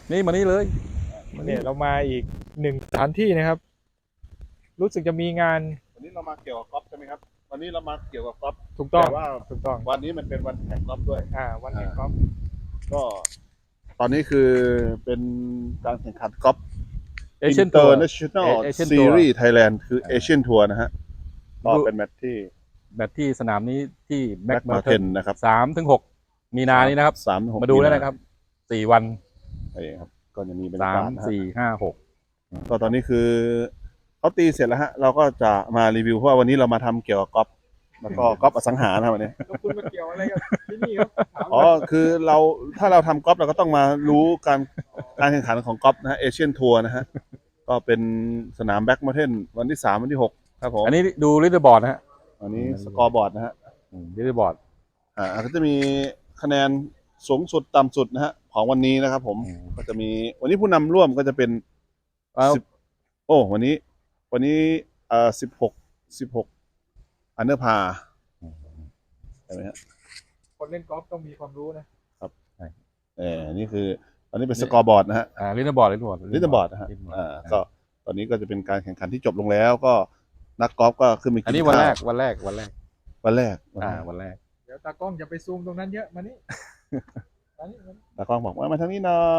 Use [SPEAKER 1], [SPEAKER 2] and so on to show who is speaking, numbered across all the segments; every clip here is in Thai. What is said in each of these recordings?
[SPEAKER 1] นี่มานี่เลย
[SPEAKER 2] เนี่ยเรามาอีกหนึ่งสถานที่นะครับ รู้สึกจะมีงาน
[SPEAKER 3] วันนี้เรามาเกี่ยวกับกอล์ฟใช่ไหมครับวันนี้เรามาเกี่ยวกับกอล์ฟ
[SPEAKER 2] ถูกต้อง
[SPEAKER 3] แต่ว่า
[SPEAKER 2] ถูกต้อง
[SPEAKER 3] วันนี้มันเป็นวันแข่งกอล์ฟด้วย
[SPEAKER 2] วันแห่งกอล์ฟ
[SPEAKER 3] ก็ตอนนี้คือเป็นการแข่งขันกอล์ฟ
[SPEAKER 1] เอเชียนทัวร์
[SPEAKER 3] International
[SPEAKER 1] Asian Tour
[SPEAKER 3] Series Thailand คือเอเชียนทัวร์นะฮะก็เป็นแมตช์ที่
[SPEAKER 1] แบตที่สนามนี้ที่แบ็
[SPEAKER 3] Black
[SPEAKER 1] กมาเทน
[SPEAKER 3] Mountain นะครับ
[SPEAKER 1] 3-6 มีนานี้นะครับ
[SPEAKER 3] 3-6
[SPEAKER 1] มาดูได้นะครับ 4 วัน
[SPEAKER 3] นี่ครับก็จะมีบรรยากาศนะฮะ
[SPEAKER 1] 3-4-5-6
[SPEAKER 3] ก็ตอนนี้คือเขาตีเสร็จแล้วฮะเราก็จะมารีวิวเพราะว่าวันนี้เรามาทำเกี่ยวกับกอล์ฟแล้วก็กอล์ฟอสังหานะครับวันนี้
[SPEAKER 2] แล้วคุณมาเกี่ยวอะไรกับที่นี่ครับ
[SPEAKER 3] อ๋อคือเราถ้าเราทำกอล์ฟเราก็ต้องมารู้การแข่งขันของกอล์ฟนะฮะเอเชียนทัวร์นะฮะก็เป็นสนามแบ็กมาเทนวันที่ 3 วันที่ 6 ครับผม
[SPEAKER 1] อันนี้ดูลิเดอร์บอร์ดนะฮะ
[SPEAKER 3] อันนี้สกอร์บอร์ดนะฮะ
[SPEAKER 1] ลิเดอร์บอร์ด
[SPEAKER 3] ก็จะมีคะแนนสูงสุดต่ำสุดนะฮะของวันนี้นะครับผมก็จะมีวันนี้ผู้นำร่วมก็จะเป็น10วันนี้16อันเดอร์พาใช่ไหมฮะ
[SPEAKER 2] คนเล่นกอล์ฟต้องมีความรู้นะครับ
[SPEAKER 3] นี่คือตอนนี้เป็นสกอร์บอร์ดนะฮะ
[SPEAKER 1] ลิเดอร์บอร์ด
[SPEAKER 3] ลิเดอร์บอร์ดนะฮะก็ตอนนี้ก็จะเป็นการแข่งขันที่จบลงแล้วก็นักกอล์ฟก็ขึ้นมากินข้าว
[SPEAKER 1] อันนี้วันแรก
[SPEAKER 3] วันแรก
[SPEAKER 1] วันแรก
[SPEAKER 2] เดี๋ยวตากล้องอย่าไปซูมตรงนั้นเยอะมานี่มานี่
[SPEAKER 3] ตากล้องบอกว่ามาทางนี้หน่อย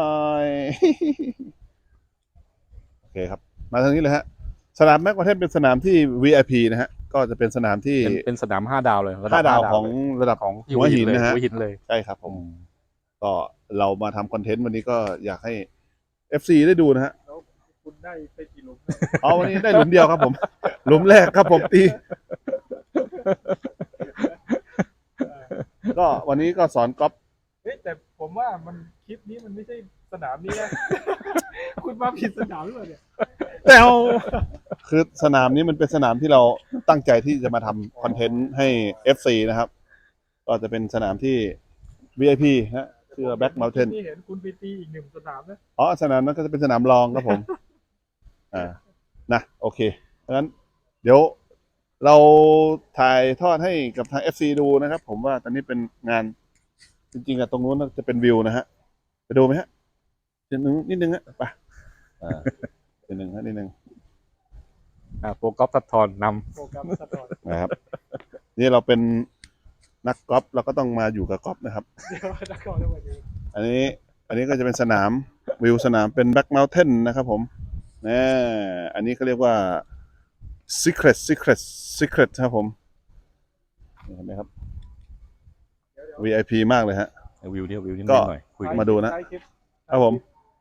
[SPEAKER 3] โอเคครับมาทางนี้เลยฮะสนามแม็กประเทศเป็นสนามที่ VIP นะฮะก็จะเป็นสนามที่
[SPEAKER 1] เป็นสนาม5 ดาวเลย
[SPEAKER 3] 5 ดาวของระดับ
[SPEAKER 1] ของ
[SPEAKER 3] หัวหินนะฮะ
[SPEAKER 1] หัวหินเลย
[SPEAKER 3] ใช่ครับผมก็เรามาทำคอนเทนต์วันนี้ก็อยากให้ FC ได้ดูนะฮะ
[SPEAKER 2] แล้วคุณได้ไปกี่หลุม
[SPEAKER 3] วันนี้ได้หลุมเดียวครับผมหลุมแรกครับผมตีก็วันนี้ก็สอนกอล์ฟ
[SPEAKER 2] แต่ผมว่ามันคลิปนี้มันไม่ใช่สนามนี้นะ คุณมาผิดสนามหรือเปล่าเนี่ย
[SPEAKER 3] แต่คือสนามนี้มันเป็นสนามที่เราตั้งใจที่จะมาทำคอนเทนต์ให้ FC นะครับก็จะเป็นสนามที่ VIP ฮะชื่อ Black Mountain
[SPEAKER 2] ที่เห็นคุณไปตีอีกหนึ่งสนามนะ
[SPEAKER 3] สนามนั้นก็จะเป็นสนามรองครับผมนะโอเคเพราะฉะนั้นเดี๋ยวเราถ่ายทอดให้กับทาง FC ดูนะครับผมว่าตอนนี้เป็นงานจริงๆอะตรงนู้นจะเป็นวิวนะฮะไปดูไหมฮะนิดนึงฮะไปนิดนึง
[SPEAKER 1] โปรกอล์ฟทัดทอนน
[SPEAKER 2] โปรแกรมสะท้อน
[SPEAKER 3] นะครับนี่เราเป็นนักกอล์ฟเราก็ต้องมาอยู่กับกอล์ฟนะครับ
[SPEAKER 2] เดี๋ยวนักกอล์ฟจะมาดู
[SPEAKER 3] อันนี้ก็จะเป็นสนามวิวสนามเป็น Black Mountain นะครับผมอันนี้เขาเรียกว่า Secret ครับผมเห็นไหมครับ VIP มากเลยฮะ
[SPEAKER 1] วิวนิด
[SPEAKER 3] ก็
[SPEAKER 1] หน่อยคุย
[SPEAKER 3] มาดูนะครับผม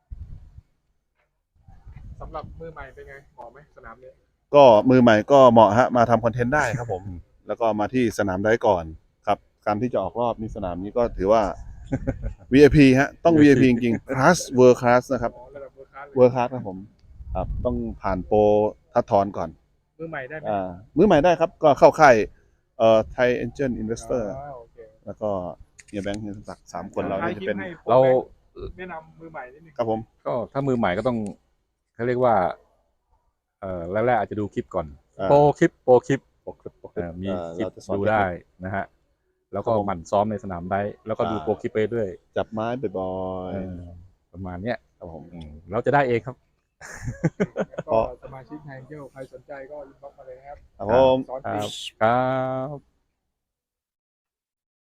[SPEAKER 2] สำหรับมือใหม่เป็นไงเหมาะไหมสนามนี้
[SPEAKER 3] ก็มือใหม่ก็เหมาะฮะมาทำคอนเทนต์ได้ครับผม แล้วก็มาที่สนามได้ก่อนครับการที่จะออกรอบนี่สนามนี้ก็ถือว่า VIP ฮะต้อง VIP จริงๆ Class World Class นะครับ
[SPEAKER 2] ระดับ
[SPEAKER 3] World Class ครับผมครับต้องผ่านโปรทัดทอนก่อน
[SPEAKER 2] มือใหม่ได้ไหม
[SPEAKER 3] มือใหม่ได้ครับก็เข้าค่ายThai Angel Investor แล้วก็เฮียแบงค์เฮียศักดิ์3 คนเราจะเป็น
[SPEAKER 1] เรา
[SPEAKER 2] แนะนำมือใหม่นิดนึง
[SPEAKER 3] ครับผม
[SPEAKER 1] ก็ถ้ามือใหม่ก็ต้องเขาเรียกว่าแรกๆอาจจะดูคลิปก่อนโปรคลิปมีคลิปดูได้นะฮะแล้วก็หมั่นซ้อมในสนามได้แล้วก็ดูโปรคลิปไปด้วย
[SPEAKER 3] จับไม้บ่อย
[SPEAKER 1] ๆประมาณเนี้ย
[SPEAKER 3] ครับผม
[SPEAKER 1] เราจะได้เองครับ
[SPEAKER 2] ก็สมาชิกแฮงเกิลใครสนใจก็อินบ็อกซ์มาเลยนะครับ
[SPEAKER 3] ครับผม
[SPEAKER 1] ครับ